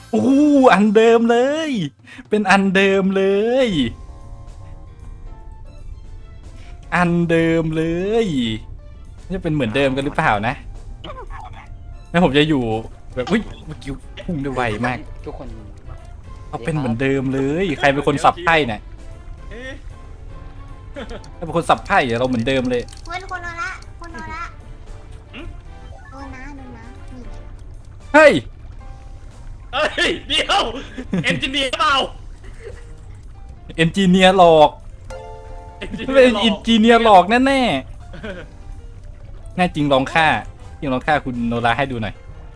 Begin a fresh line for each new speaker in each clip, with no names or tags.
โอ้อันเดิมเลย เป็นอันเดิมเลย อันเดิมเลยจะเป็นเหมือนเดิมกันหรือเปล่านะแล้วผมจะอยู่แบบอุ้ยเมื่อกี้พุ่งได้ไวมาก
ทุกคน
เขาเป็นเหมือนเดิมเลย ใครเป็นคนสับไพ่เนี่ย
เอ๊ะ
ถ้าเป็นคนสับไพ่เราเหมือนเดิมเลย
คุณโนละคุณโนละโดนนะนี่
เฮ้ย
เอ้ยเดี๋ยวเอนจิเนียร์เปล่า
เอนจิเนียร์หลอกเป็นเอนจิเนียร์หลอกแน่ๆแน่จริงลองฆ่าคุณโนราให้ดูหน่อย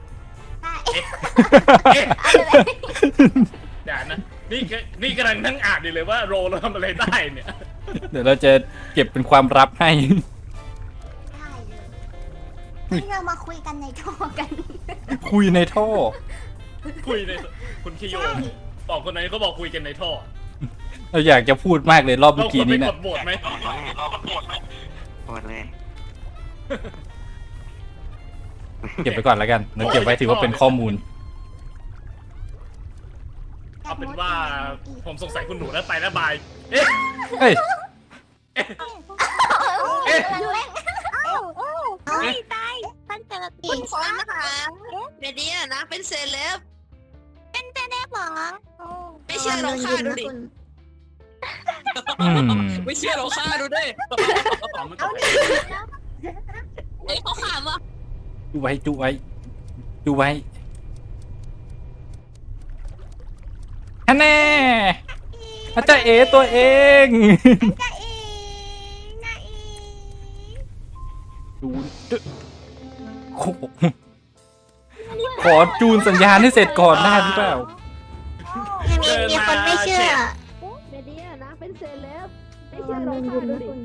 ได้
เอ๊ะอย่านะนี่กำลังนั่งอ่านอยู่เลยว่าโรเราทำอะไรได้เนี่ย
เดี๋ยวเราจะเก็บเป็นความลับให้
ได้เลยที่เรามาคุยกันในโทรกัน
คุยในท่อ
คุยในคุณคิโยสองคนนั้นเขาบอกคุยกันในท่อ
เราอยากจะพูดมากเลยรอบ
เรา
เมื่อ
ค
กี้
วรไป
นี้
ก
นะ
ดโหวตไหม
หมดเลย
เก็บไปก่อนแล้วกันเราเก็บไว้ถือว่าเป็นข้อมูล
เอาเป็นว่าผมสงสัยคุณหนูแล้วไปแล้วบายเอ๊ะ
เฮ้ย
เอ๊ะ
ตายท่านเจอ
คุณพรนะคะเดี๋ยวนี้นะเป็นเซเลบ
ได้หมอ
ไม่เชื่อลองฆ่าดูดิ
อืม
ไม่เชื่อลองฆ่าดูดิ
เอาไม่ตก
เฮ้ยเขาขำว่ะ
ดูไว้ฮันแน่อาจารย์เอตัวเอง
จะเองนะเอง
จูนโอ้โหขอจูนสัญญาณให้เสร็จก่อนได้หรือเปล่า
มีคนไม่เชื่อ
เดี๋ยวนี้นะเป็นเซเลบไม่เชื่อลองฆ่าดูดิ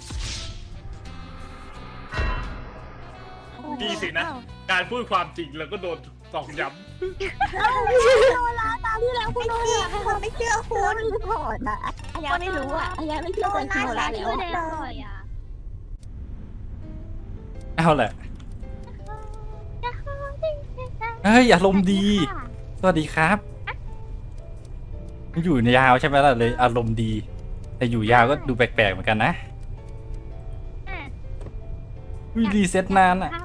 ดีสินะ การพูดความจริงแล้วก็โดนตอกย้
คนไม่เชื่อคุณ
ถอดอะอายาไม่รู้อะอายาไม่เชื่อใจโนราแล้ว
เอาแหละเฮ้ยอารมณ์ดี สวัสดีครับ อยู่ยาวใช่ไหมล่ะเลยอารมณ์ดี แต่อยู่ยาวก็ดูแปลกๆเหมือนกันนะรีเซ็ตนานอ่ะ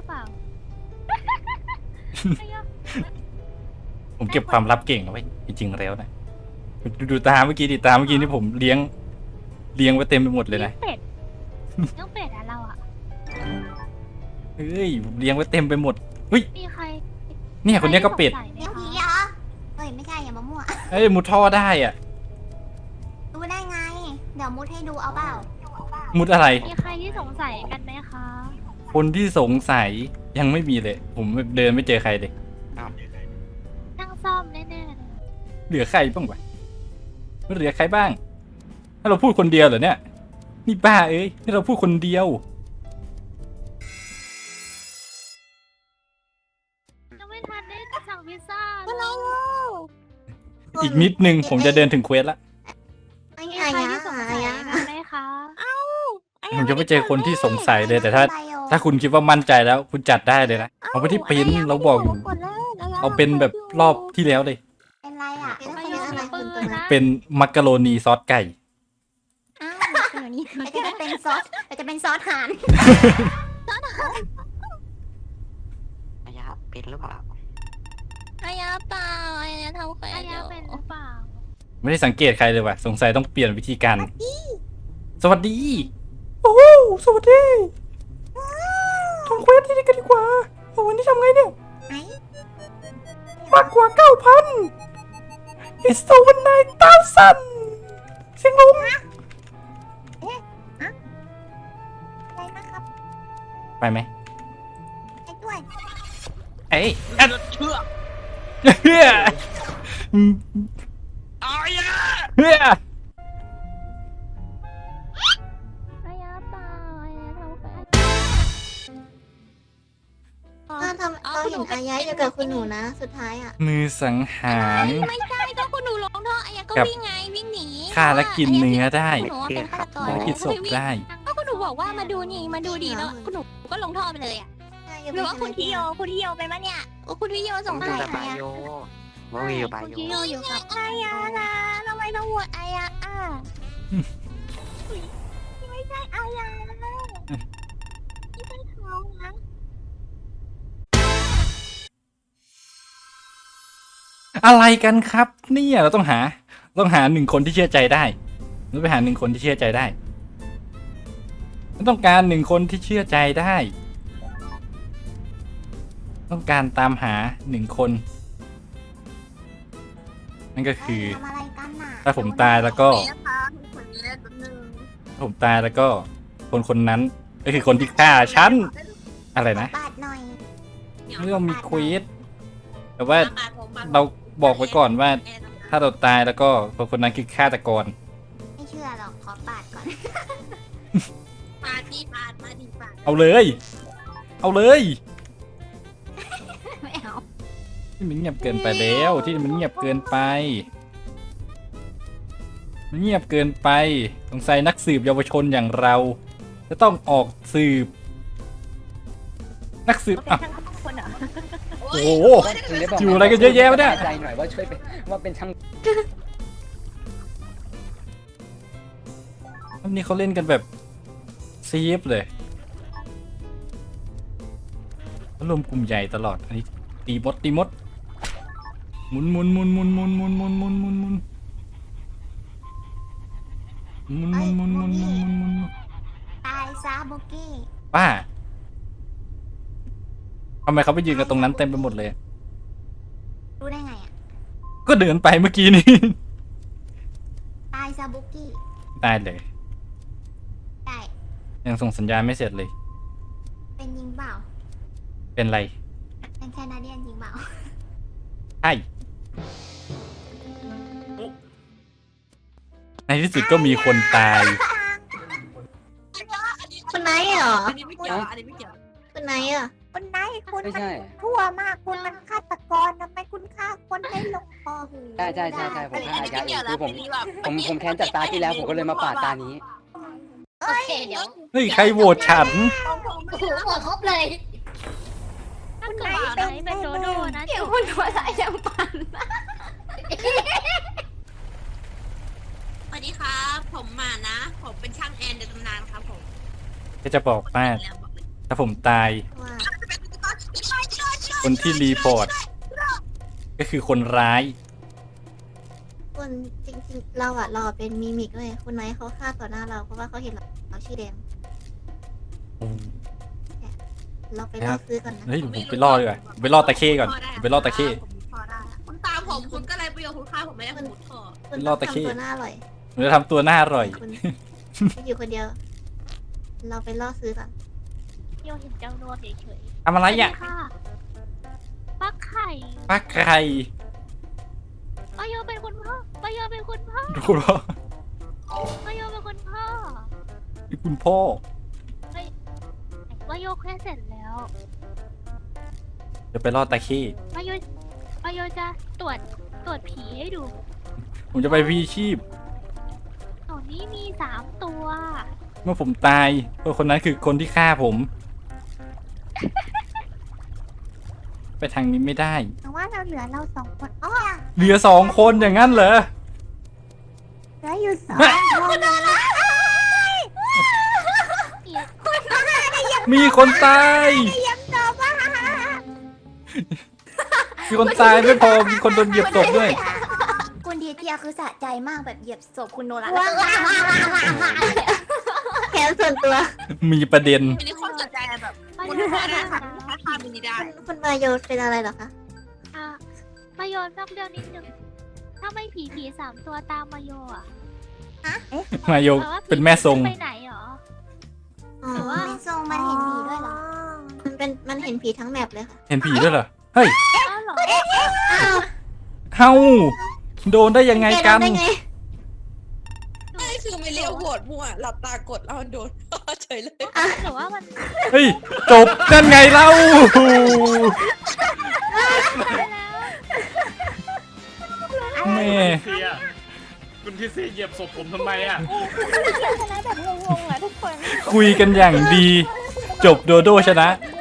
ผมเก็บความลับเก่งเอาไว้จริงๆแล้วนะดูตาเมื่อกี้ดิตาเมื่อกี้นี่ผมเลี้ยงไว้เต็มไปหมดเลยนะ
เป็ดน้องเป็ดอะเราอะ
เฮ้ยเลี้ยงไว้เต็มไปหมดเฮ้ย
มีใคร
เนี่ยคนเนี้ยก็เป็ด
เลี้ยงผีเหรอเฮ้ยไม่ใช่อย่ามามั่ว
เฮ้ยมุดท่อได้อ่ะ
ดูได้ไง เดี๋ยวมุดให้ดูเอาเปล่า
มุดอะไร
มีใครที่สงสัยกันไหมคะ
คนที่สงสัยยังไม่มีเลย ผมเดินไม่เจอใครเลย
นั่งซ่อมแน่ๆเลย
เหลือใครบ้างวะไม่เหลือใครบ้าง ถ้าเราพูดคนเดียวเหรอเนี่ย นี่บ้าเอ้ยนี่เราพูดคนเดียว
ยังไม่ทันได้สั่งพิซซ่าเลย
อีกนิดนึงผมจะเดินถึงเควสละ
ไอ้
มี
ยา
ใคร
ยา
ที่สงสัย
ยา
กันไหมคะ
ผมจะไม่เจอคนที่สงสัยเลยแต่ถ้าคุณคิดว่ามั่นใจแล้ว คุณจัดได้เลยนะเอาไปที่ปริ้นเราบอกอยู่เอาเป็นแบบรอบที่แล้วเลย
เป็นไรอ่ะ
ไม่ยอมปืนนะ
เป็นมักกะโรนีซอสไก่
อ้าวเดี๋ยวนี้จะเป็นซอสจะเป็นซอสห่าน
อายาเป็นหรือเปล่า
อายาเปล่าอายาทำแฟ
อาน ยาเป็นหรือเปล่า
ไม่ได้สังเกตใครเลยว่ะสงสัยต้องเปลี่ยนวิธีการสวัสดีโอ้สวัสดีทำเควสที่นี่กันดีกว่าโอ้วันนี้ทำไงเนี่ย
ไหน
มากกว่า 9,000 It's over 9,000เสียงลง
อะไรนะครับ
ไปไหม
ไอ้ด้วย
เอ้ย
เชื่อ
เฮ้ย
อายา
เฮ้ย
อายาเปล่าอายาทำแฟน
เราเห็นอายะอยู่กับคุณหนูนะ สุดท้ายอ่ะ
มือสังหาร
ไม่ใช่ก็คุณหนูลงท่ออายาก็
กับ
วิ่งไงวิ่งหนี
ฆ่าและกินเนื้อได้
คุณหนูเป็นฆาตกร
และกินศพได้
ก็คุณหนูบอกว่ามาดูนี่มาดูดีแล้วคุณหนูก็ลงท่อไปเลยอ่ะหรือว่าคุณทิโยเป็นปะเนี่ยโอ้คุณทิโยสง
ดู
สัย
แต่
ใคร
บา
อ่ะ
โยโอ้ยอยู่บาย
เมื่อ
อยู่
กี้โยอยู่กับ
อายานะทำไมต้องโหวตอายาไม่ใช่อายานะไม่ใช่เขานะ
อะไรกันครับเนี่ยเราต้องหาหนึ่งคนที่เชื่อใจได้เราไปหาหนึ่งคนที่เชื่อใจได้เราต้องการหนึ่งคนที่เชื่อใจได้ ต้องการตามหาหนึ่งคนนั่นก็คือ
ทำอะไรกันน่ะ
ถ้าผมตายแล้วก็ ผมตายแล้วก็คนนั้นก็คือคนที่ฆ่าฉันอะไรนะ
บาดหน่อย
ไม่ต้องมีควีสแต่ว่าเราบอกไว้ก่อนว่า ถ้าเราตายแล้วก็คนนั้นคือฆาตกร
ไม่เชื่อหรอกขอปาดก่อน
ปาดีปาดมาดีปาด
เอาเลย เอาเลย
ไม่เอา
ที่มันเงียบเกินไปแล้วที่มันเงียบเกินไป มันเงียบเกินไปสงสัยนักสืบเยาวชนอย่างเรา จะต้องออกสืบ นักสืบอ่ะโอ้โห อยู่อะไรกันเยอะแยะวะเนี่ย
ใจหน่อยว่าช่วยเป็นว่าเป็นช่าง
วันนี้เขาเล่นกันแบบซีฟเลยเขารวมกลุ่มใหญ่ตลอดอันนี้ตีมดหมุน
ตายซาบุกี้
ป้าทำไมเขาไปยืนกันตรงนั้นเต็มไปหมดเลย
รู้ได้ไงอ่ะ
ก็เดินไปเมื่อกี้นี้
ตายซาบุกี้
ตายเลย
ได้
ยังส่งสัญญาณไม่เสร็จเลย
เป็นยิงเปล่า
เป็นไร
เป็นแคนาเดียนยิงเปล่า
ใช่ในที่สุดก็มีคนตาย
คุณไนท์เหรอ
อันนี้ไม่เกี่ยวอันนี้ไม่เกี่ยว
คุณไนท์อ่ะคุณไนท์คุณ
ไม่
มัน
ใช่
ทั่วมากคุณมันฆาตกรทำไมคุณฆ่าคนให้ลงคอหู
ใช่ผมฆ่าอายะเองคือผมแค้นจากตาที่แล้วผมก็เลยมาปาดตานี้
โอเคเดี๋ยว
เฮ้ย ใครโหวตฉัน
โอ้โหหมดครบเลยถ้าเกิดว่าไหนเป็นโดโดนะ
เดี๋ยวคุณหัวใจยังปั่น
สวัสดีครับผมมานะ ผมเป็นช่างแอนในตำนานครับผม
ก็จะบอกว่าถ้าผมตาย
ว่า
คนที่รีพอร์ต ก็คือคนร้าย
คนจริงๆเราอะรอเป็นมิมิกเลยคุณไนท์เขาฆ่าต่อหน้าเราเพราะว่าเขาเห็นเราชื่อแดงเราไปล่อซื้อก่อนนะ
เฮ้ยผมไปล่อดีกว่าไปล่อตะเข้ก่อนไปล่อตะเข้
ผมพอได้คุณตามผมคุณก็เลยประโยชน์คุณค่าผมไม่ได้ผมมุดท่อ
คุณ
ล่
ต้
อ
อง
ตะเข้
ทำตัวหน้าอร่อย
ผมจะทำตัวหน้าอร่อย
คุณอยู่คนเดียว เราไปล่อซื้อก่อน
โยเห็นเจ้าโนวดเฉย
ทำอะไรอ่ะ
ค่ะปักไข่
ปักไข่
ปาโยเป็นคุณพ่อปาโยเป็นคุณพ่อ
ดูเหรอ
ปาโยเป็นคุณพ่อ
นี่คุณพ่อ
ปาโยแค่เสร็จแล้ว
จะไปล่อตะเข้
ปาโยจะตรวจผีให้ดู
ผมจะไปพีชีพ
ตอนนี้มี3 ตัว
เมื่อผมตายคนนั้นคือคนที่ฆ่าผม ไปทางนี้ไม่ได้
แต่ว่าเราเหลือเรา2 คนอ๋อ
เหลือ2 คนอย่างนั้นเหรอ
เหลืออยู่2 คน
มีคนตาย
ยังตอบว่า
มีคนตายไม่พอ มีคนโดนเหยียบศพด้วย
คุณเทียคือสะใจมากแบบเหยียบศพคุณโนราแค้นส่วนตัว
มีประเด็น
ไม่ได้คนสนใจแบบ
ปา
คุณ
โย
ค่าได้
นะ
ค่ะถ้าทำมินิได้
คุณมาโยเป็นอะไรเหรอคะ
อ่ะปาโยนอกเรื่องนิดนึงถ้าไม่ผี3 ตัวตามมาโยอ่ะ
มาโยเป็นแม่ทรง
ไปไหนหรอ
อ๋อแม่ทรงมันเห็นผีด้วยเหรอ มันเห็นผีทั้งแมปเลยค่ะ
เห็นผีด้วยเหรอ เฮ้ย
อ้าวเหรอ
เฮาโดนได้ยังไงกัน
ได้ไง
ไม่คือไม่เรียกโหวตมั่วหลับตากดแล้วโดนเฉยเลย
หรือว่ามัน
เฮ้ย จบนั่นไงเล่า แม่
เสียคุณที่เสียเหยียบศพผมทำไมอ่ะ
คุยกันอย่างดี จบโดโดชนะ
ง